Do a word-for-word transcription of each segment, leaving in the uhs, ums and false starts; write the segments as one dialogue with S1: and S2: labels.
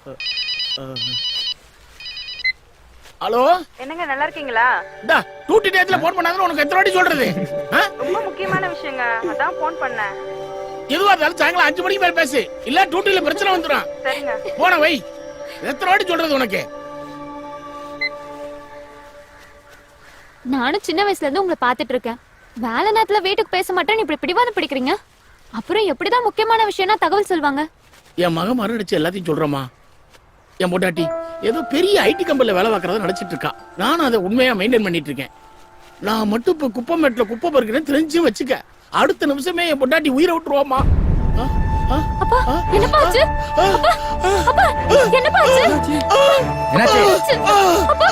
S1: Hello,
S2: என்னங்க நல்லா இருக்கீங்களா?
S1: டா டூட்டி டேட்ல போன் பண்ணாதன்னு உனக்கு எத்தனை வாட்டி சொல்றது?
S2: ரொம்ப முக்கியமான விஷயங்க, அதான் போன் பண்ணேன்.
S1: எதுவா இருந்தாலும் சாயங்காலம் அஞ்சு மணிக்கு மேல பேசு, இல்ல டூட்டில பிரச்சனை வந்துடும்.
S2: சரிங்க.
S1: போன வை. எத்தனை வாட்டி சொல்றது உனக்கு?
S3: நானும் சின்ன வயசுல இருந்து உங்களை பாத்துட்டு இருக்கேன். வேலை நேரத்துல வீட்டுக்கு பேச மாட்டேன்னு இப்படி பிடிவாதம் பிடிக்கிறீங்க. அப்புறம் எப்படிதான் முக்கியமான விஷயம்னா தகவல் சொல்வாங்க?
S1: என் மகன் மறுநடிச்சு எல்லாத்தையும் சொல்றமா. என் பொண்டாட்டி ஏதோ பெரிய ஐடி கம்பெனில வேலை பார்க்கறத நினைச்சிட்டு இருக்கா. நானும் அதை உண்மையா மெயின்டைன் பண்ணிட்டு இருக்கேன். நான் மட்டும் இப்ப குப்பை மேட்ல குப்பை பறிக்கிறேன் தெரிஞ்சு வச்சுக்க, அடுத்த நிமிஷமே என் பொண்டாட்டி உயிரை விட்டுருவாமா.
S3: அப்பா என்னப்பா ஆச்சு? அப்பா என்னப்பா ஆச்சு?
S4: என்னாச்சு?
S3: அப்பா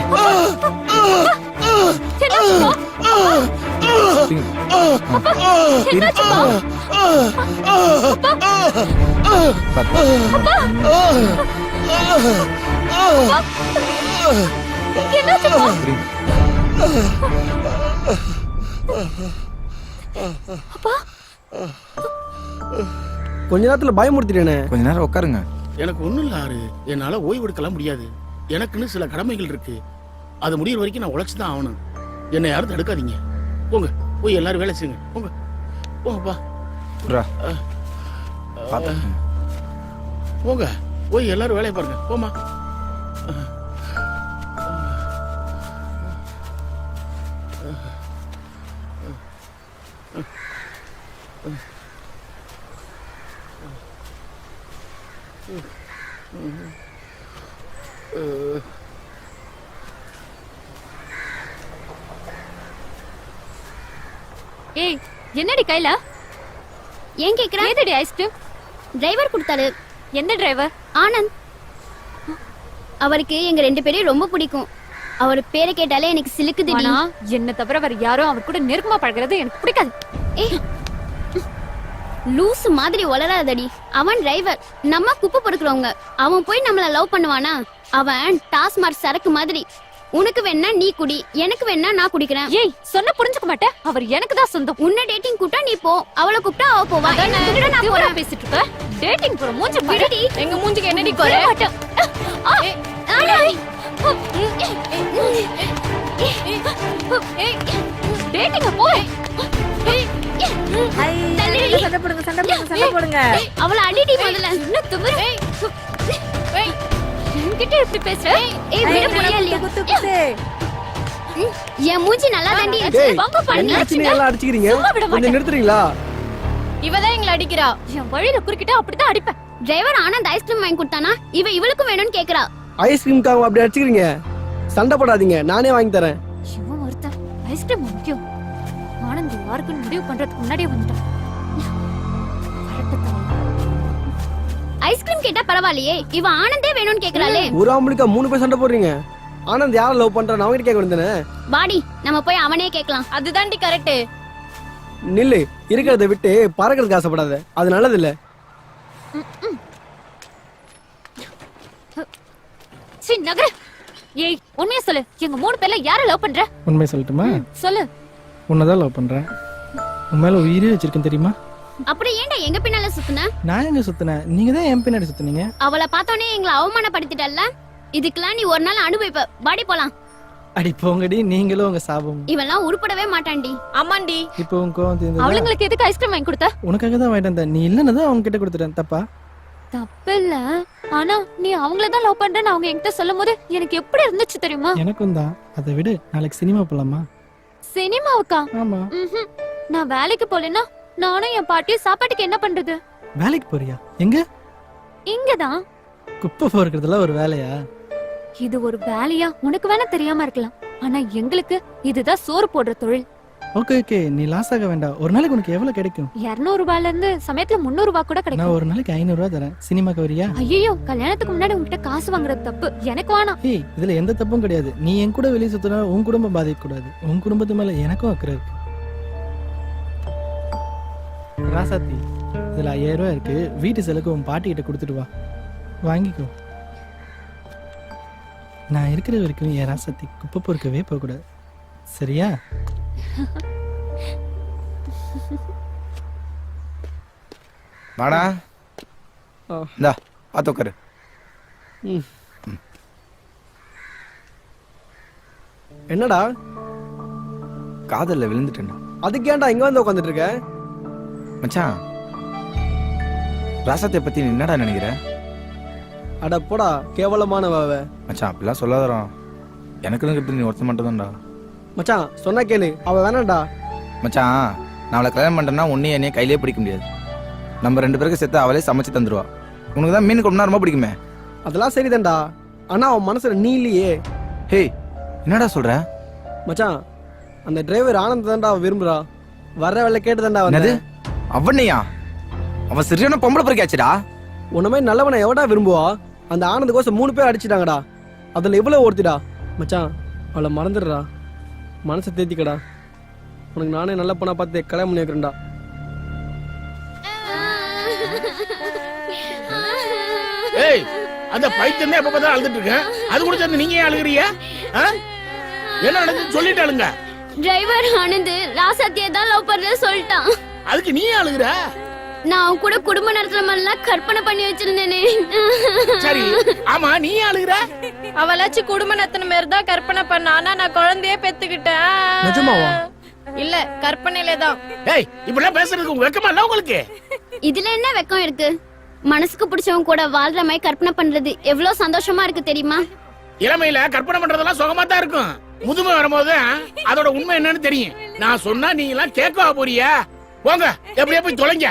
S5: கொஞ்ச நேரத்துல பயமுறுத்திட்டேனே.
S4: கொஞ்ச நேரம் உட்காருங்க.
S1: எனக்கு ஒண்ணும் இல்ல ஆறு, என்னால ஓய்வு எடுக்கலாம் முடியாது. எனக்குன்னு சில கடமைகள் இருக்கு, அது முடியிற வரைக்கும் நான் உழைச்சுதான் ஆகணும். என்னை யாரும் தடுக்காதீங்க. போங்க, போய் எல்லாரும் வேலை செய்யுங்க. போங்க போங்கப்பா. போங்க, போய் எல்லாரும் வேலையை பாருங்க. போமா.
S3: ஏய் என்னடி கையில?
S6: ஏன் கேக்குற?
S3: ஏதடி ஐஸ்கிரீம்?
S6: டிரைவர் கொடுத்தாரு.
S3: எந்த டிரைவர்?
S6: ஆனந்த். அவருக்கு எங்க ரெண்டு பேரையும் ரொம்ப பிடிக்கும். அவர் பேரை கேட்டாலே எனக்கு சிலுக்குது.
S3: ஆனா என்ன தவிர வேற யாரும் அவர் கூட நெருக்கமா பழகிறது எனக்கு பிடிக்காது.
S6: ஏய் லூசு மாதிரி வளராதடி. அவன் டிரைவர், நம்ம குப்பை பொறுக்கிறவங்க. அவன் போய் நம்மள லவ் பண்ணுவானா? அவன் டாஸ்மார்க் சரக்கு மாதிரி. உனக்கு வேணா நீ குடி, எனக்கு வேணா நான் குடிக்கிறேன்.
S3: ஏய் சொன்ன புரிஞ்சுக்க மாட்டேன். அவர் எனக்கு தான் சொந்தம்.
S6: உன்னை டேட்டிங் கூட்டா நீ போ, அவளை கூப்பிட்டா அவ போவா.
S3: நான் போறேன் பேசிட்டு இருக்க. டேட்டிங் போற மூஞ்சி பாருடி. எங்க மூஞ்சிக்கு என்னடி குறை? டேட்டிங் போ.
S2: சண்டை போடுங்க, சண்டை போடுங்க, சண்டை போடுங்க.
S6: அவளை அடிடி முதல்ல.
S3: என்ன துமுறு? என்கிட்ட எப்படி பேசுற?
S6: ஏய் விட முடியல இல்லையா?
S2: குத்து குத்து.
S6: என் மூஞ்சி நல்லா தாண்டி இருக்கு.
S5: டேய்,
S6: வாங்க பண்ணி
S5: பிரச்சனை எல்லாம் அடிச்சிக்கிறீங்க.
S3: சும்மா விட
S5: கொஞ்சம்
S3: மாட்டேன்.
S5: நிறுத்துறீங்களா?
S3: இவதான் எங்களை அடிக்கிறா. என் வழியில குறுக்கிட்டா அப்படிதான் அடிப்பேன்.
S6: டிரைவர் ஆனந்த் ஐஸ்கிரீம் வாங்கி கொடுத்தானா? இவ இவளுக்கும் வேணும்னு கேக்குறா.
S5: ஐஸ்கிரீம்காக அப்படி அடிச்சுக்கிறீங்க. சண்டை போடாதீங்க, நானே வாங்கி தரேன்.
S3: இவன் ஒருத்தன் ஐஸ்கிரீம் முக்கியம். ஆனந்த் யாருக்குன்னு முடிவு பண்றதுக்கு முன்னாடியே வந்துட்டான்.
S6: ஐஸ்கிரீம் கேட்டா பரவாயில்லையே, இவ ஆனந்தே வேணும்னு கேக்குறாளே.
S5: ஒரு ஆம்பளுக்கா மூணு பேர் சண்டை போடுறீங்க. ஆனந்த் யாரை லவ் பண்றான்னு அவங்க கேட்க வேண்டியதானே?
S6: வாடி நம்ம போய் அவனே கேட்கலாம்.
S3: அதுதான்டி கரெக்ட்.
S5: நில்லு, இருக்கிறத விட்டு பறக்கிறதுக்கு ஆசைப்படாத, அது நல்லது இல்ல.
S3: சீ நகர. ஏய் உண்மையா சொல்லு, எங்க மூணு பேர்ல யார லவ் பண்ற?
S7: உண்மையை சொல்லட்டுமா?
S3: சொல்லு.
S7: உன்னதான் லவ் பண்றேன். உன் மேல உயிரே வச்சிருக்கேன் தெரியுமா?
S6: அப்படி ஏன்டா எங்க பின்னால சுத்துன?
S7: நான் எங்க சுத்தினேன்? நீங்க தான் என் பின்னாடி சுத்தினீங்க.
S6: அவளை பார்த்தோன்னே எங்களை அவமானப்படுத்திட்டல்ல. இதுக்கெல்லாம் நீ ஒரு நாள் அனுபவிப்ப. வாடி போலாம்.
S7: அடி போங்கடி, நீங்களும் உங்க சாபம்.
S6: இவெல்லாம் உருப்படவே மாட்டான்டி.
S3: ஆமாண்டி.
S7: இப்போ உன் கோவம் தீர்ந்ததா?
S3: அவளுங்களுக்கு எதுக்கு ஐஸ்கிரீம் வாங்கி கொடுத்த?
S7: உனக்காக தான் வாங்கிட்டு வந்தேன். நீ இல்லன்னு தான் அவங்க கிட்ட கொடுத்துட்டேன். தப்பா?
S3: தப்பில்ல. ஆனா நீ அவங்கள தான் லவ் பண்றேன்னு அவங்க என்கிட்ட சொல்லும் போது எனக்கு எப்படி இருந்துச்சு தெரியுமா?
S7: எனக்கும் தான். அதை விடு, நாளைக்கு சினிமா போலாமா?
S3: சினிமாவுக்கா?
S7: ஆமா.
S3: ம்ஹும். நான் வேலைக்கு போலனா நானும் என் பாட்டியும் சாப்பாட்டுக்கு என்ன பண்றது?
S7: வேலைக்கு போறியா? எங்க?
S3: இங்கதான்.
S7: குப்பை பொறுக்கிறதுல ஒரு வேலையா?
S3: இது ஒரு வேலையா உனக்கு வேணா தெரியாம இருக்கலாம், ஆனா எங்களுக்கு இதுதான் சோறு போடுற தொழில்.
S7: ஓகே ஓகே, நீ லாஸ் ஆக வேண்டாம். ஒரு நாளைக்கு உனக்கு எவ்வளவு கிடைக்கும்?
S3: இருநூறு ரூபாயில இருந்து சமயத்துல முன்னூறு ரூபாய் கூட
S7: நான்
S3: கிடைக்கும்.
S7: ஒரு நாளைக்கு ஐநூறு ரூபாய் தரேன். சினிமாக்கு வரியா?
S3: ஐயோ கல்யாணத்துக்கு முன்னாடி உன்கிட்ட காசு வாங்குறது தப்பு, எனக்கு வேணாம்.
S7: ஏய், இதுல எந்த தப்பும் கிடையாது. நீ என் கூட வெளியே சுத்தினா உன் குடும்பம் பாதிக்க கூடாது. உன் குடும்பத்து மேல எனக்கும் அக்கறை இருக்கு. ராசாத்தி, இதுல ஐயாயிரம் ரூபாய் இருக்கு. வீட்டு செலவுக்கு உன் பாட்டி கிட்ட கொடுத்துட்டு வா, வாங்கிக்கோ. நான் இருக்கிற வரைக்கும் என் ராசாத்தி குப்பை பொறுக்கவே போக கூடாது, சரியா?
S4: வாடா, இந்தா பாத்து உட்காரு.
S5: ம். என்னடா
S4: காதல்ல விழுந்துட்டேன்
S5: அதுக்கு ஏன்டா இங்க வந்து உட்காந்துட்டு இருக்க?
S4: மச்சான். ராசாத்தை பத்தி நீ என்னடா நினைக்கிற?
S5: அட போடா கேவலமானவ அவ.
S4: மச்சான் அப்படிலாம் சொல்லாதடா. எனக்குன்னு கிட்ட நீ ஒருத்த மட்டும் தான்டா.
S5: மச்சான் சொன்னா கேளு, அவ வேணாம்டா.
S4: மச்சான் நான் அவளை கல்யாணம் பண்ணிட்டேன்னா உன்னையும் என்னையும் கையிலே பிடிக்க முடியாது. நம்ம ரெண்டு பேருக்கு சேர்த்து அவளே சமைச்சு தந்துருவா. உனக்கு தான் மீன் கொண்டா ரொம்ப பிடிக்குமே.
S5: அதெல்லாம் சரிதான்டா, ஆனா அவன் மனசுல நீ இல்லையே.
S4: ஹே என்னடா சொல்ற?
S5: மச்சான் அந்த டிரைவர் ஆனந்த் தான்டா அவ விரும்புறா. வர்ற வேலை கேட்டு தான்டா
S4: என்னது
S5: வந்தது.
S4: அவனையா? அவன் சரியான பொம்பளை பொறுக்காச்சுடா.
S5: உன்ன மாதிரி நல்லவனை எவடா விரும்புவா? அந்த ஆனந்த் கோசம் மூணு பேர் அடிச்சிட்டாங்கடா. அதுல இவ்வளவு ஒருத்திடா. மச்சான் அவளை மறந்துடுறா, மனசை தேத்திக்கடா. உனக்கு நானே நல்ல பொண்ணா பார்த்து கல்யாணம் பண்ணி வைக்கிறேன்டா.
S1: ஏய் அந்த பைத்தியம் தான் எப்ப பார்த்தா அழுதுட்டு இருக்கேன். அது கூட சேர்ந்து நீங்க ஏன் அழுகுறீங்க? ஆ? என்ன நடந்துச்சு சொல்லிட்டு அழுங்க.
S6: டிரைவர் ஆனந்த் ராசாத்தியை தான் லவ் பண்றத சொல்லிட்டான்.
S1: அதுக்கு நீ ஏன் அழுகுற?
S6: நான் அவன் கூட குடும்ப நடத்துற மாதிரிலாம் கற்பனை பண்ணி வச்சிருந்தேனே.
S1: சரி ஆமா நீ ஏன் அழுகுற?
S2: அவளாச்சும் குடும்ப நத்தன மாதிரி தான் கற்பனை பண்ண, ஆனா நான் குழந்தையே பெத்துக்கிட்டேன்.
S5: நிஜமாவா?
S2: இல்ல கற்பனையில தான்.
S1: ஏய் இப்படிலாம் பேசுறதுக்கு உங்க வெக்கமா இல்ல உங்களுக்கு?
S6: இதுல என்ன வெக்கம் இருக்கு? மனசுக்கு பிடிச்சவங்க கூட வாழ்ற மாதிரி கற்பனை பண்றது எவ்வளவு சந்தோஷமா இருக்கு தெரியுமா?
S1: இளமையில கற்பனை பண்றதெல்லாம் சுகமா தான் இருக்கும். முதுமை வரும்போது அதோட உண்மை என்னன்னு தெரியும். நான் சொன்னா நீங்க எல்லாம் கேட்கவா போறியா? போங்க எப்படியே போய் தொலைங்க.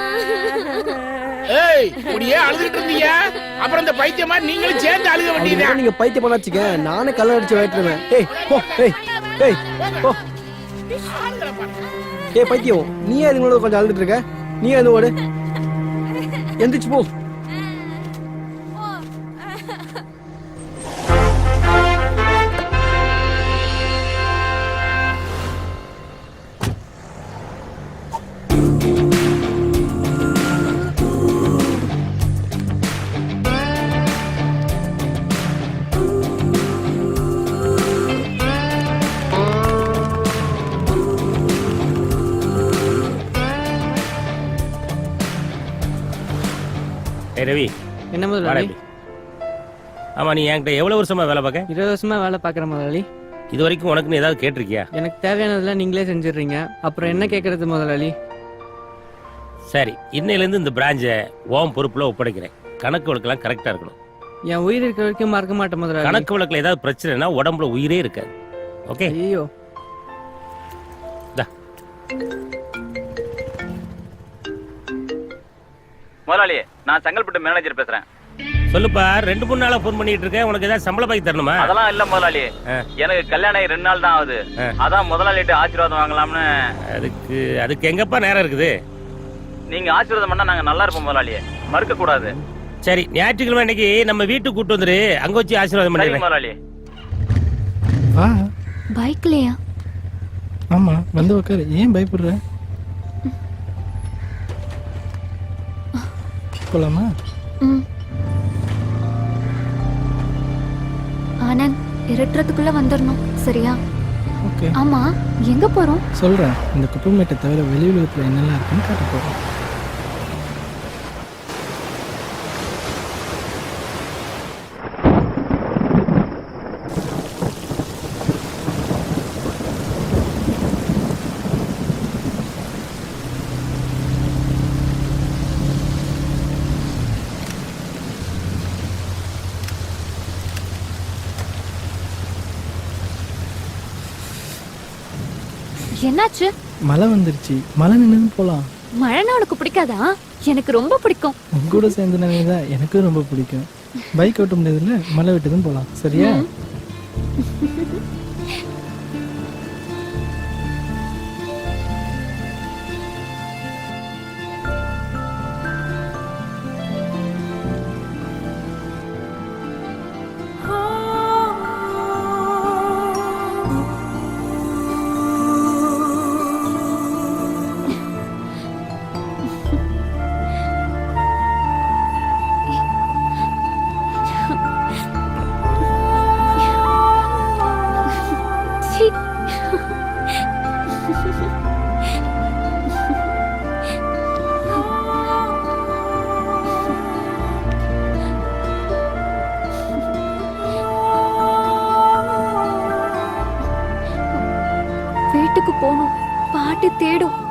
S1: ஏய் இப்படியே அழுதுட்டு இருந்தீங்க, அப்புறம் இந்த பைத்தியம் மாதிரி நீங்களும் சேர்ந்து அழுக வேண்டியது.
S5: அவனுக்கு நீங்க பைத்தியம் பண்ண வச்சுக்க, நானே கல்ல அடிச்சு வைட்டுருவேன். ஏய் போ, ஏய் ஏய் போ. ஏய் பைத்தியம், நீ அதுங்களோட கொஞ்சம் அழுதுட்டு இருக்க. நீ அது ஓடு, எந்திரிச்சு போ.
S8: ஏய் ரவி,
S7: என்ன
S8: வாடா
S7: முதலாளி?
S8: இப்படி. ஆமா நீ என்கிட்ட எவ்வளவு வருஷமா வேலை பார்க்க?
S7: இருபது வருஷமா வேலை பார்க்குற முதலாளி.
S8: இது வரைக்கும் உனக்குன்னு ஏதாவது கேட்டிருக்கியா?
S7: எனக்கு தேவையானதெல்லாம் நீங்களே செஞ்சிடுறீங்க, அப்புறம் என்ன கேட்கறது முதலாளி?
S8: சரி, இன்னையிலேருந்து இந்த பிரான்ச்சை ஓம் பொறுப்புல ஒப்படைக்கிறேன். கணக்கு வழக்கெல்லாம் கரெக்டா இருக்கணும்.
S7: என் உயிர் இருக்கிற வரைக்கும் மறக்க மாட்டேன் முதலாளி.
S8: கணக்கு வழக்குல ஏதாவது பிரச்சனைனா உடம்புல உயிரே இருக்காது. ஓகே?
S7: ஐயோ
S9: முதலாளி, நான் செங்கல்பட்டு மேனேஜர் பேசுறேன்.
S8: சொல்லுப்பா, ரெண்டு மூணு நாளா போன் பண்ணிட்டு இருக்கேன். உனக்கு ஏதாவது சம்பள பாக்கி தரணுமா?
S9: அதெல்லாம் இல்ல முதலாளி, எனக்கு கல்யாணம் ஆகி ரெண்டு நாள் தான் ஆகுது. அதான் முதலாளிட்டு ஆசீர்வாதம் வாங்கலாம்னு.
S8: அதுக்கு அதுக்கு எங்கப்பா நேரம் இருக்குது?
S9: நீங்க ஆசீர்வாதம் பண்ணா நாங்க நல்லா இருப்போம் முதலாளி, மறுக்க கூடாது.
S8: சரி, ஞாயிற்றுக்கிழமை இன்னைக்கு நம்ம வீட்டுக்கு கூட்டு வந்துரு, அங்க வச்சு ஆசீர்வாதம்
S9: சரி
S8: பண்ணிடுறேன்.
S9: முதலாளி.
S7: வா.
S3: பைக்லயா?
S7: ஆமா வந்து உட்காரு, ஏன் பயப்படுற? போலாமா?
S3: ம். ஆனந்த் இருட்டுறதுக்குள்ள வந்துடணும், சரியா?
S7: ஓகே
S3: ஆமா எங்க போறோம்?
S7: சொல்றேன். இந்த குப்பைமேட்டை தவிர வெளி உலகத்துல என்னெல்லாம் இருக்குன்னு காட்ட போறோம்.
S3: என்னாச்சு?
S7: மழை வந்துருச்சு, மழை நின்று போலாம்.
S3: மழைன்னா உனக்கு பிடிக்காதா? எனக்கு ரொம்ப பிடிக்கும்.
S7: உங்க கூட சேர்ந்து நினைவுதான் எனக்கும் ரொம்ப பிடிக்கும். பைக் ஓட்ட முடியாதுல்ல, மழை விட்டுதுன்னு போலாம், சரியா?
S3: போகணும். பாட்டி தேடும்.